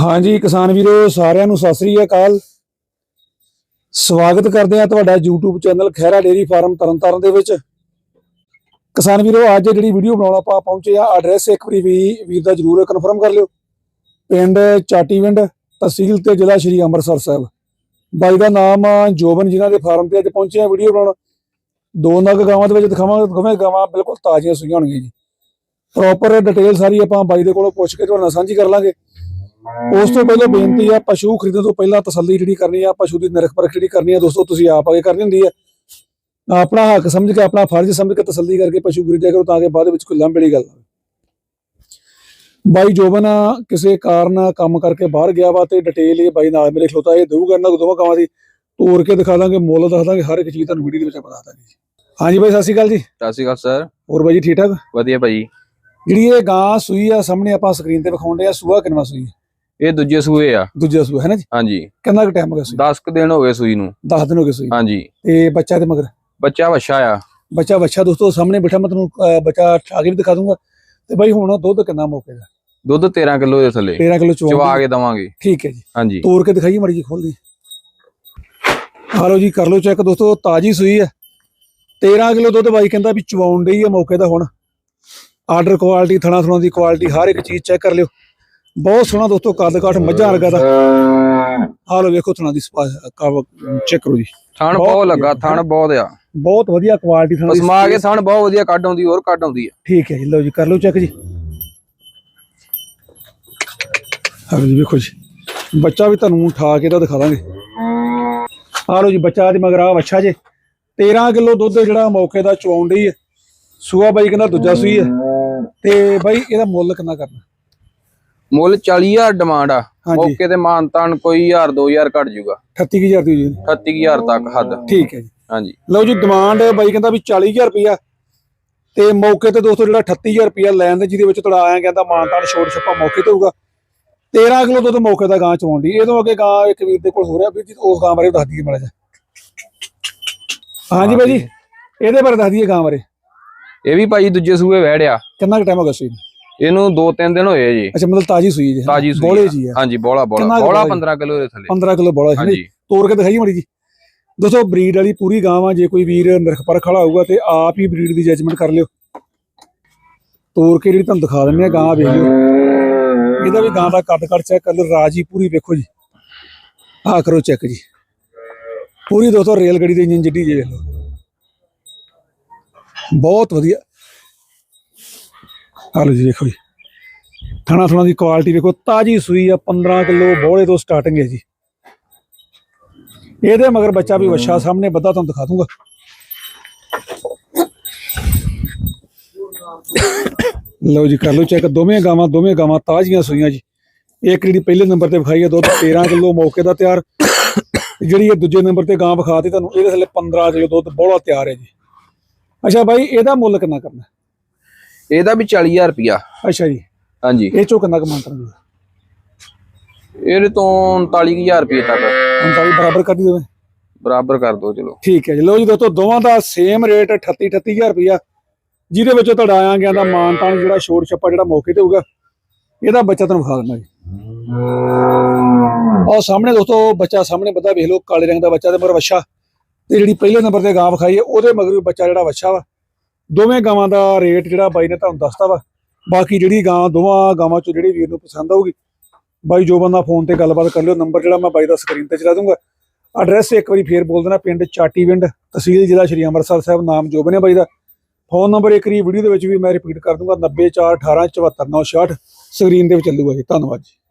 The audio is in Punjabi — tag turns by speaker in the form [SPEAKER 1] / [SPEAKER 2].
[SPEAKER 1] हाँ जी किसान वीरो सारिਆਂ ਨੂੰ ਸਤਿ ਸ੍ਰੀ ਅਕਾਲ। ਸਵਾਗਤ ਕਰਦੇ ਆ ਤੁਹਾਡਾ YouTube channel Khaira dairy farm Tarntaran ਦੇ ਵਿੱਚ। ਕਿਸਾਨ ਵੀਰੋ ਅੱਜ ਜਿਹੜੀ ਵੀਡੀਓ ਬਣਾਉਣਾ ਆਪਾਂ ਪਹੁੰਚੇ ਆ ਐਡਰੈਸ ਇੱਕ ਵਾਰੀ ਵੀਰ ਦਾ ਜਰੂਰ ਕਨਫਰਮ ਕਰ ਲਿਓ। ਪਿੰਡ ਚਾਟੀਵਿੰਡ ਤਹਿਸੀਲ ਤੇ ਜ਼ਿਲ੍ਹਾ ਸ਼੍ਰੀ ਅੰਮ੍ਰਿਤਸਰ ਸਾਹਿਬ। ਬਾਈ ਦਾ ਨਾਮ ਜੋਬਨ ਜਿਨ੍ਹਾਂ ਦੇ ਫਾਰਮ ਤੇ ਅੱਜ ਪਹੁੰਚੇ ਆ ਵੀਡੀਓ ਬਣਾਉਣ। ਦੋ ਨਗ ਗਾਵਾਂ ਦੇ ਵਿੱਚ ਦਿਖਾਵਾਂਗੇ ਦੋਵੇਂ ਗਾਵਾਂ ਬਿਲਕੁਲ ਤਾਜ਼ੀਆਂ ਸੂਈਆਂ ਹੋਣਗੀਆਂ ਜੀ। ਪ੍ਰੋਪਰ ਡਿਟੇਲ ਸਾਰੀ ਆਪਾਂ ਬਾਈ ਦੇ ਕੋਲੋਂ ਪੁੱਛ ਕੇ ਤੁਹਾਡੇ ਨਾਲ ਸਾਂਝੀ ਕਰ ਲਾਂਗੇ। ਉਸ ਤੋਂ ਪਹਿਲਾਂ ਬੇਨਤੀ ਆ ਪਸ਼ੂ ਖਰੀਦਣ ਤੋਂ ਪਹਿਲਾਂ ਤਸੱਲੀ ਜਿਹੜੀ ਕਰਨੀ ਆ ਪਸ਼ੂ ਦੀ ਨਿਰਖ ਪਰਖ ਜਿਹੜੀ ਕਰਨੀ ਆ ਦੋਸਤੋ ਤੁਸੀਂ ਆਪ ਆਗੇ ਕਰਨੀ ਹੁੰਦੀ ਆ। ਆਪਣਾ ਹੱਕ ਸਮਝ ਕੇ ਆਪਣਾ ਫਰਜ਼ ਸਮਝ ਕੇ ਤਸੱਲੀ ਕਰਕੇ ਪਸ਼ੂ ਖਰੀਦਿਆ ਕਰੋ ਤਾਂ ਕਿ ਬਾਅਦ ਵਿੱਚ ਕੋਈ ਲੰਬੜੀ ਗੱਲ ਨਾ। ਬਾਈ ਜੋਬਨ ਕਿਸੇ ਕਾਰਨ ਕੰਮ ਕਰਕੇ ਬਾਹਰ ਗਿਆ ਵਾ ਤੇ ਡਿਟੇਲ ਇਹ ਬਾਈ ਨਾਲ ਮੇਰੇ ਖਲੋਤਾ ਇਹ ਦਊਗਾ ਇਹਨਾਂ ਦੋਵਾਂ ਕਾਵਾਂ ਦੀ ਤੋੜ ਕੇ ਦਿਖਾ ਦਾਂਗੇ ਮੁੱਲ ਦੱਸ ਦਾਂਗੇ ਹਰ ਇੱਕ ਚੀਜ਼ ਤੁਹਾਨੂੰ ਵੀਡੀਓ ਦੇ ਵਿੱਚ ਬਤਾ ਦਾਂਗੇ। ਹਾਂਜੀ ਬਾਈ ਸਤਿ ਸ਼੍ਰੀ ਅਕਾਲ ਜੀ।
[SPEAKER 2] ਸਤਿ ਸ਼੍ਰੀ ਅਕਾਲ ਸਰ।
[SPEAKER 1] ਹੋਰ ਬਾਈ ਜੀ ਠੀਕ ਠਾਕ?
[SPEAKER 2] ਵਧੀਆ ਭਾਈ।
[SPEAKER 1] ਜਿਹੜੀ ਇਹ ਗਾਂ ਸੂਈ ਆ ਸਾਹਮਣੇ ਆਪਾਂ ਸਕਰੀਨ ਤੇ ਵਿਖਾਉਂਦੇ ਆ ਸੂਆ ਕਿੰਨਾ ਸੂਈ?
[SPEAKER 2] ਇਹ ਦੂਜੇ ਸੂਏ ਆ।
[SPEAKER 1] ਦੂਜਾ ਸੂਆ ਹੈ ਨਾ ਜੀ?
[SPEAKER 2] ਹਾਂਜੀ।
[SPEAKER 1] ਕਿੰਨਾ ਕੁ ਟਾਈਮ ਹੋ ਗਿਆ ਸੂਈ?
[SPEAKER 2] 10 ਕੁ ਦਿਨ ਹੋ ਗਏ ਸੂਈ ਨੂੰ।
[SPEAKER 1] 10 ਦਿਨ ਹੋ ਗਏ ਸੂਈ।
[SPEAKER 2] ਹਾਂਜੀ।
[SPEAKER 1] ਤੇ ਬੱਚਾ ਤੇ ਮਗਰ?
[SPEAKER 2] ਬੱਚਾ ਵੱਛਾ ਆ।
[SPEAKER 1] ਬੱਚਾ ਵੱਛਾ ਦੋਸਤੋ ਸਾਹਮਣੇ ਬੈਠਾ ਮੈਂ ਤੁਹਾਨੂੰ ਬੱਚਾ ਠਾ ਕੇ ਵੀ ਦਿਖਾ ਦੂੰਗਾ। ਤੇ ਬਾਈ ਹੁਣ ਦੁੱਧ ਕਿੰਨਾ ਮੌਕੇ ਦਾ?
[SPEAKER 2] ਦੁੱਧ 13 ਕਿਲੋ ਦੇ ਥੱਲੇ।
[SPEAKER 1] 13 ਕਿਲੋ
[SPEAKER 2] ਚਵਾ ਕੇ ਦਵਾਂਗੇ।
[SPEAKER 1] ਠੀਕ ਹੈ ਜੀ।
[SPEAKER 2] ਹਾਂਜੀ।
[SPEAKER 1] ਤੋੜ ਕੇ ਦਿਖਾਈਏ ਮੜੀ ਜੀ ਖੋਲਦੀ। ਹਾਲੋ ਜੀ ਕਰ ਲਓ ਚੈੱਕ ਦੋਸਤੋ ਤਾਜੀ ਸੂਈ ਹੈ। 13 ਕਿਲੋ ਦੁੱਧ ਬਾਈ ਕਹਿੰਦਾ ਵੀ ਚਵਾਉਣ ਡਈ ਹੈ ਮੌਕੇ ਦਾ। ਹੁਣ ਆਰਡਰ ਕੁਆਲਿਟੀ ਥਣਾ ਥਣਾ ਦੀ ਕੁਆਲਿਟੀ ਹਰ ਇੱਕ ਚੀਜ਼ ਚੈੱਕ ਕਰ ਲਿਓ। ਬਹੁਤ ਸੋਹਣਾ ਦੋਸਤੋ ਕੱਦ ਕਾਠ ਮੱਝਾਂ ਵਰਗਾ ਦਾ। ਆਹ ਲੋ ਵੇਖੋ ਥਣਾ ਦੀ ਚੈੱਕ ਕਰੋ ਜੀ।
[SPEAKER 2] ਥਣ ਬਹੁਤ ਲੱਗਾ ਥਣ ਬਹੁਤ ਆ।
[SPEAKER 1] ਬਹੁਤ ਵਧੀਆ ਕੁਆਲਿਟੀ ਥਣਾ ਦੀ
[SPEAKER 2] ਸਮਾ ਕੇ ਥਣ ਬਹੁਤ ਵਧੀਆ ਕੱਢ ਆਉਂਦੀ ਹੋਰ ਕੱਢ ਆਉਂਦੀ ਆ।
[SPEAKER 1] ਠੀਕ ਹੈ ਜੀ ਲਓ ਜੀ ਕਰ ਲਓ ਚੈੱਕ ਜੀ। ਆਹ ਜੀ ਵੇਖੋ ਜੀ ਬੱਚਾ ਵੀ ਤੁਹਾਨੂੰ ਉਠਾ ਕੇ ਤਾਂ ਦਿਖਾ ਦਾਂਗੇ। ਆਹ ਲੋ ਜੀ ਬੱਚਾ ਤੇ ਮਗਰ ਆ ਵੱਛਾ ਜੇ 13 ਕਿਲੋ ਦੁੱਧ ਜਿਹੜਾ ਮੌਕੇ ਦਾ ਚਵਾਉਣ ਡਈ ਹੈ। ਸੂਆ ਬਾਈ ਕਹਿੰਦਾ ਦੂਜਾ ਸੂਈ ਹੈ। ਤੇ ਬਾਈ ਇਹਦਾ ਮੁੱਲ ਕਿੰਨਾ ਕਰਨਾ?
[SPEAKER 2] ਮੁੱਲ 40,000 ਡਿਮਾਂਡ ਆ। ਮੌਕੇ ਤੇ ਮਾਨਤਾਨ ਕੋਈ 1000 2000 ਘਟ ਜਾਊਗਾ।
[SPEAKER 1] 38000 ਦੀ ਹੋਈ
[SPEAKER 2] 38000 ਤੱਕ ਹੱਦ।
[SPEAKER 1] ਠੀਕ ਹੈ ਜੀ।
[SPEAKER 2] ਹਾਂਜੀ
[SPEAKER 1] ਲਓ ਜੀ ਡਿਮਾਂਡ ਬਾਈ ਕਹਿੰਦਾ ਵੀ 40000 ਰੁਪਇਆ ਤੇ ਮੌਕੇ ਤੇ ਦੋਸਤੋ ਜਿਹੜਾ 38000 ਰੁਪਇਆ ਲੈਣ ਦੇ ਜਿਹਦੇ ਵਿੱਚ ਤੁਹਾਡਾ ਆਇਆ ਕਹਿੰਦਾ ਮਾਨਤਾਨ ਛੋੜ ਛੱਪਾ ਮੌਕੇ ਤੇ ਹੋਊਗਾ। 13 ਕਿਲੋ ਦੁੱਧ ਮੌਕੇ ਦਾ ਗਾਂ ਚਵਾਉਣ ਦੀ। ਇਹਦੋਂ ਅੱਗੇ ਗਾਂ ਇੱਕ ਵੀਰ ਦੇ ਕੋਲ ਹੋ ਰਿਹਾ ਵੀਰ ਜੀ ਉਸ ਗਾਂ ਬਾਰੇ ਦੱਸ ਦਈਏ ਮਾੜਾ ਜਿਹਾ। ਹਾਂਜੀ ਬਾਈ ਜੀ ਇਹਦੇ ਬਾਰੇ ਦੱਸ ਦਈਏ ਗਾਂ ਬਾਰੇ।
[SPEAKER 2] ਇਹ ਵੀ ਭਾਈ ਦੂਜੇ ਸੂਏ ਵਹਿੜਿਆ।
[SPEAKER 1] ਕਿੰਨਾ ਕੁ ਟਾਈਮ ਹੋ ਗਿਆ ਸੂਈ?
[SPEAKER 2] ਇਹਨੂੰ 2-3 ਦਿਨ ਹੋਏ ਜੀ।
[SPEAKER 1] ਅੱਛਾ ਮਤਲਬ ਤਾਜੀ ਸੂਈ ਜੀ।
[SPEAKER 2] ਤਾਜੀ ਸੂਈ
[SPEAKER 1] ਬੋਲੇ ਜੀ।
[SPEAKER 2] ਹਾਂਜੀ ਬੋਲਾ 15 ਕਿਲੋ ਦੇ ਥੱਲੇ।
[SPEAKER 1] 15 ਕਿਲੋ ਬੋਲਾ ਹੈ। ਤੋੜ ਕੇ ਦਿਖਾਈਏ ਮਾੜੀ ਜੀ। ਦੋਸਤੋ ਬਰੀਡ ਵਾਲੀ ਪੂਰੀ ਗਾਂ ਆ। ਜੇ ਕੋਈ ਵੀਰ ਨਿਰਖ ਪਰਖ ਵਾਲਾ ਹੋਊਗਾ ਤੇ ਆਪ ਹੀ ਬਰੀਡ ਦੀ ਜੱਜਮੈਂਟ ਕਰ ਲਿਓ। ਤੋੜ ਕੇ ਜਿਹੜੀ ਤੁਹਾਨੂੰ ਦਿਖਾ ਦਿੰਦੇ ਆ ਗਾਂ ਵੇਖ ਲਿਓ। ਇਹਦਾ ਵੀ ਗਾਂ ਦਾ ਕੱਦ ਕੱਟ ਚੈੱਕ ਕਰ ਲਓ। ਰਾਜੀ ਪੂਰੀ ਵੇਖੋ ਜੀ। ਆਹ ਕਰੋ ਚੈੱਕ ਜੀ ਪੂਰੀ ਦੋਸਤੋ ਰੇਲ ਗੱਡੀ ਦੇ ਇੰਜਨ ਜਿੱਡੀ ਜੇ ਵੇਖ ਲਓ। ਬਹੁਤ ਵਧੀਆ। ਹਾਲੋ ਜੀ ਦੇਖੋ ਜੀ ਥਣਾ ਥਣਾ ਦੀ ਕੁਆਲਿਟੀ ਵੇਖੋ ਤਾਜੀ ਸੂਈ ਆ। 15 ਕਿਲੋ ਬੋਲੇ ਤੋਂ ਸਟਾਰਟਿੰਗ ਹੈ ਜੀ। ਇਹਦੇ ਮਗਰ ਬੱਚਾ ਵੀ ਵੱਛਾ ਸਾਹਮਣੇ ਬੱਧਾ ਤੁਹਾਨੂੰ ਦਿਖਾ ਦੂੰਗਾ। ਲਓ ਜੀ ਕਰ ਲਓ ਚੈੱਕ। ਦੋਵੇਂ ਗਾਵਾਂ ਤਾਜ਼ੀਆਂ ਸੂਈਆਂ ਜੀ। ਇੱਕ ਜਿਹੜੀ ਪਹਿਲੇ ਨੰਬਰ ਤੇ ਵਿਖਾਈ ਹੈ ਦੁੱਧ 13 ਕਿਲੋ ਮੌਕੇ ਦਾ ਤਿਆਰ। ਜਿਹੜੀ ਇਹ ਦੂਜੇ ਨੰਬਰ ਤੇ ਗਾਂ ਵਿਖਾਤੀ ਤੁਹਾਨੂੰ ਇਹਦੇ ਥੱਲੇ 15 ਕਿਲੋ ਦੁੱਧ ਬੋਲਾ ਤਿਆਰ ਹੈ ਜੀ। ਅੱਛਾ ਬਾਈ ਇਹਦਾ ਮੁੱਲ ਕਿੰਨਾ ਕਰਨਾ?
[SPEAKER 2] ਇਹਦਾ ਵੀ 40,000 ਰੁਪਇਆ।
[SPEAKER 1] ਅੱਛਾ ਜੀ।
[SPEAKER 2] ਹਾਂਜੀ।
[SPEAKER 1] ਇਹ ਚੋਂ ਕਿੰਨਾ ਕਮਾਉਣਾ ਚਾਹੁੰਦੇ?
[SPEAKER 2] ਇਹਦੇ ਤੋਂ 39,000 ਰੁਪਏ ਤੱਕ।
[SPEAKER 1] 39 ਬਰਾਬਰ ਕਰ ਦਿਓ।
[SPEAKER 2] ਬਰਾਬਰ ਕਰ ਦੋ ਚਲੋ।
[SPEAKER 1] ਠੀਕ ਹੈ ਜੀ। ਲਓ ਜੀ ਦੋਸਤੋ ਦੋਵਾਂ ਦਾ ਸੇਮ ਰੇਟ 38,000 ਰੁਪਇਆ ਜਿਹਦੇ ਵਿੱਚੋਂ ਤੁਹਾਡਾ ਆਇਆ ਗਿਆ ਦਾ ਮਾਨਤਾਨ ਜਿਹੜਾ ਛੋੜ ਛੱਪਾ ਜਿਹੜਾ ਮੌਕੇ ਤੇ ਹੋਊਗਾ। ਇਹਦਾ ਬੱਚਾ ਤੁਹਾਨੂੰ ਵਿਖਾ ਦਿੰਦਾ ਜੀ। ਆਹ ਸਾਹਮਣੇ ਦੋਸਤੋ ਬੱਚਾ ਸਾਹਮਣੇ ਬੱਧਾ ਵੇਖ ਲਓ ਕਾਲੇ ਰੰਗ ਦਾ ਬੱਚਾ ਤੇ ਮਗਰ ਵੱਛਾ। ਤੇ ਜਿਹੜੀ ਪਹਿਲੇ ਨੰਬਰ ਤੇ ਗਾਂ ਵਿਖਾਈ ਹੈ ਉਹਦੇ ਮਗਰ ਬੱਚਾ ਜਿਹੜਾ ਵੱਛਾ ਵਾ। ਦੋਵੇਂ ਗਾਵਾਂ ਦਾ ਰੇਟ ਜਿਹੜਾ ਬਾਈ ਨੇ ਤੁਹਾਨੂੰ ਦੱਸਤਾ ਵਾ। ਬਾਕੀ ਜਿਹੜੀ ਗਾਂ ਦੋਵਾਂ ਗਾਵਾਂ ਚੋਂ ਜਿਹੜੀ ਵੀਰ ਨੂੰ ਪਸੰਦ ਆਊਗੀ ਬਾਈ ਜੋਬਨ ਦਾ ਫੋਨ ਤੇ ਗੱਲਬਾਤ ਕਰ ਲਿਓ। ਨੰਬਰ ਜਿਹੜਾ ਮੈਂ ਬਾਈ ਦਾ ਸਕਰੀਨ ਤੇ ਚਲਾ ਦੂੰਗਾ। ਐਡਰੈਸ ਇੱਕ ਵਾਰੀ ਫੇਰ ਬੋਲ ਦੇਣਾ ਪਿੰਡ ਚਾਟੀਵਿੰਡ ਤਹਿਸੀਲ ਜ਼ਿਲ੍ਹਾ ਸ਼੍ਰੀ ਅੰਮ੍ਰਿਤਸਰ ਸਾਹਿਬ। ਨਾਮ ਜੋਬਨ ਹੈ ਬਾਈ ਦਾ। ਫੋਨ ਨੰਬਰ ਇੱਕ ਵਾਰੀ ਵੀਡੀਓ ਦੇ ਵਿੱਚ ਵੀ ਮੈਂ ਰਿਪੀਟ ਕਰ ਦੂੰਗਾ 94 4 18 74 9 66 ਸਕਰੀਨ ਦੇ ਵਿੱਚ ਚੱਲੂਗਾ ਜੀ। ਧੰਨਵਾਦ ਜੀ।